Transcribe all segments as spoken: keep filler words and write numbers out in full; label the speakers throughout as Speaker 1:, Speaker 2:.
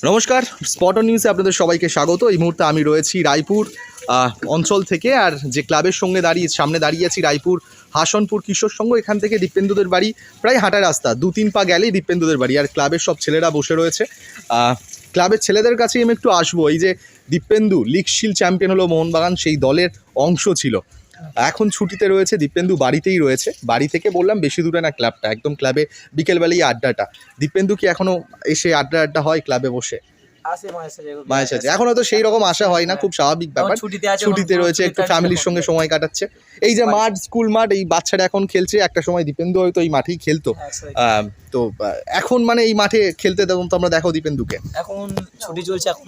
Speaker 1: নমস্কার, spot on নিউজে আপনাদের সবাইকে স্বাগত। এই মুহূর্তে আমি রয়েছি রায়পুর অঞ্চল থেকে, আর যে ক্লাবের সঙ্গে দাঁড়িয়ে সামনে দাঁড়িয়ে আছি রায়পুর হাসনপুর কিশোর সংঘ। এখান থেকে দীপেন্দুদের বাড়ি প্রায় হাঁটা রাস্তা, দু তিন পা গেলেই দীপেন্দুদের বাড়ি। আর ক্লাবের সব ছেলেরা বসে রয়েছে। ক্লাবের ছেলেদের কাছেই আমি একটু আসবো। এই যে দীপেন্দু লিগ শিল্ড চ্যাম্পিয়ন হলো মোহনবাগান, সেই দলের অংশ ছিল, এখন ছুটিতে রয়েছে। দীপেন্দু বাড়িতেই রয়েছে। বাড়ি থেকে বললাম বেশি দূরে না ক্লাবটা, একদম ক্লাবে বিকেলবেলায় আড্ডাটা। দীপেন্দু কি এখনো এসে আড্ডা আড্ডা হয় ক্লাবে বসে? মায়ের সাথে এখন হয়তো সেই রকম আশা হয় না, খুব স্বাভাবিক ব্যাপার। ছুটিতে রয়েছে, একটু ফ্যামিলির সঙ্গে সময় কাটাচ্ছে। এই যে মাঠ, স্কুল মাঠ, এই বাচ্চারা এখন খেলছে। একটা সময় দীপেন্দু হয়তো এই মাঠেই খেলতো। তো এখন মানে এই মাঠে খেলতে তেমন তো আমরা দেখো দীপেন্দুকে
Speaker 2: এখন ছুটি চলছে, এখন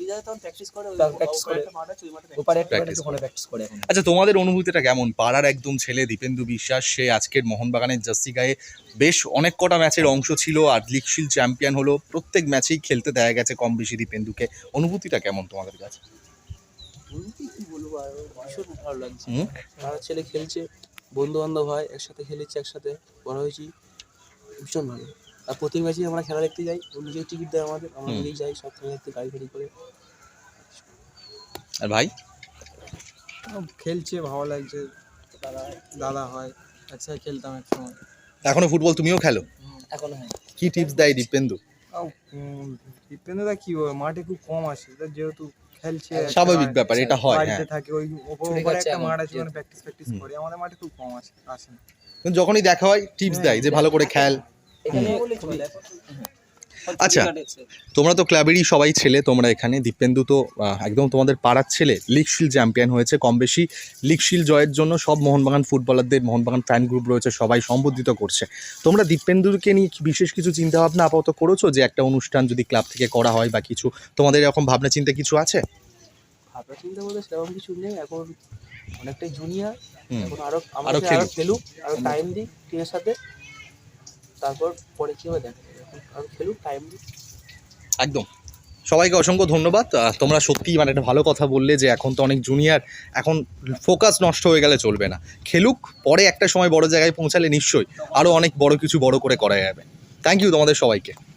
Speaker 1: আচ্ছা, তোমাদের অনুভূতিটা কেমন? পাড়ার একদম ছেলে দীপেন্দু বিশ্বাস, সে আজকের মোহনবাগানের জার্সি গায়ে বেশ অনেক কটা ম্যাচের অংশ ছিল, আর লিগ শিল্ড চ্যাম্পিয়ন হলো। প্রত্যেক ম্যাচেই খেলতে দেখা গেছে কম বেশি দীপেন্দুকে। অনুভূতিটা কেমন তোমাদের কাছে?
Speaker 2: কি বলবো, আর ভীষণ ভালো লাগছে। পাড়ার ছেলে খেলছে, বন্ধু বান্ধব হয়, একসাথে খেলেছি, একসাথে বড় হয়েছি, ভীষণ ভালো। আর প্রতি ম্যাচে আমরা খেলা দেখতে যাই, নিজের টিকিট দেয় আমাদের, আমরা নিজেই যাই সব খেলা দেখতে, গাড়ি ফাড়ি করে।
Speaker 1: আর ভাই
Speaker 3: খেলছে, ভালো লাগছে। দাদা দাদা হয়, একসাথে খেলতাম এক সময়।
Speaker 1: এখনো ফুটবল তুমিও খেলো?
Speaker 2: এখন হয়।
Speaker 1: কি টিপস দেয় দীপেন্দু?
Speaker 3: দীপেন্দুদা কি বলবো, মাঠে খুব কম আসে, যেহেতু খেলছে,
Speaker 1: স্বাভাবিক ব্যাপার, এটা হয়।
Speaker 3: বাড়িতে থাকে, ওই উপরে একটা মাঠ আছে, ওখানে প্র্যাকটিস প্র্যাকটিস করে। আমাদের মাঠে খুব কম আসে আসে না।
Speaker 1: যখনই দেখা হয় টিপস দেয় যে ভালো করে খেল। আচ্ছা, তোমরা তো ক্লাবেরই সবাই ছেলে, তোমরা এখানে। দীপেন্দু তো একদম তোমাদের পাড়ার ছেলে, লিগ শিল্ড চ্যাম্পিয়ন হয়েছে। কম বেশি লিগ শিল্ড জয়ের জন্য সব মোহনবাগান ফুটবলারদের, মোহনবাগান ফ্যান গ্রুপ রয়েছে, সবাই সম্বোধিত করছে। তোমরা দীপেন্দুকে নিয়ে বিশেষ কিছু চিন্তা ভাবনা আপাতত করেছো যে একটা অনুষ্ঠান যদি ক্লাব থেকে করা হয় বা কিছু? তোমাদের এরকম ভাবনা চিন্তা কিছু আছে?
Speaker 2: ভাবনা চিন্তা বলতে সেরকম কিছু নেই, এখন অনেকটাই জুনিয়র, এখন আরো
Speaker 1: আরো
Speaker 2: খেলুক, আরো টাইম দিই টিমের সাথে, তারপর পরে কি হবে দেখা যাবে। আরো খেলুক, টাইম দিই।
Speaker 1: একদম। সবাইকে অসংখ্য ধন্যবাদ। তোমরা সত্যিই মানে একটা ভালো কথা বললে যে এখন তো অনেক জুনিয়র, এখন ফোকাস নষ্ট হয়ে গেলে চলবে না। খেলুক, পরে একটা সময় বড় জায়গায় পৌঁছালে নিশ্চয়ই আরও অনেক বড় কিছু বড় করে করা যাবে। থ্যাংক ইউ তোমাদের সবাইকে।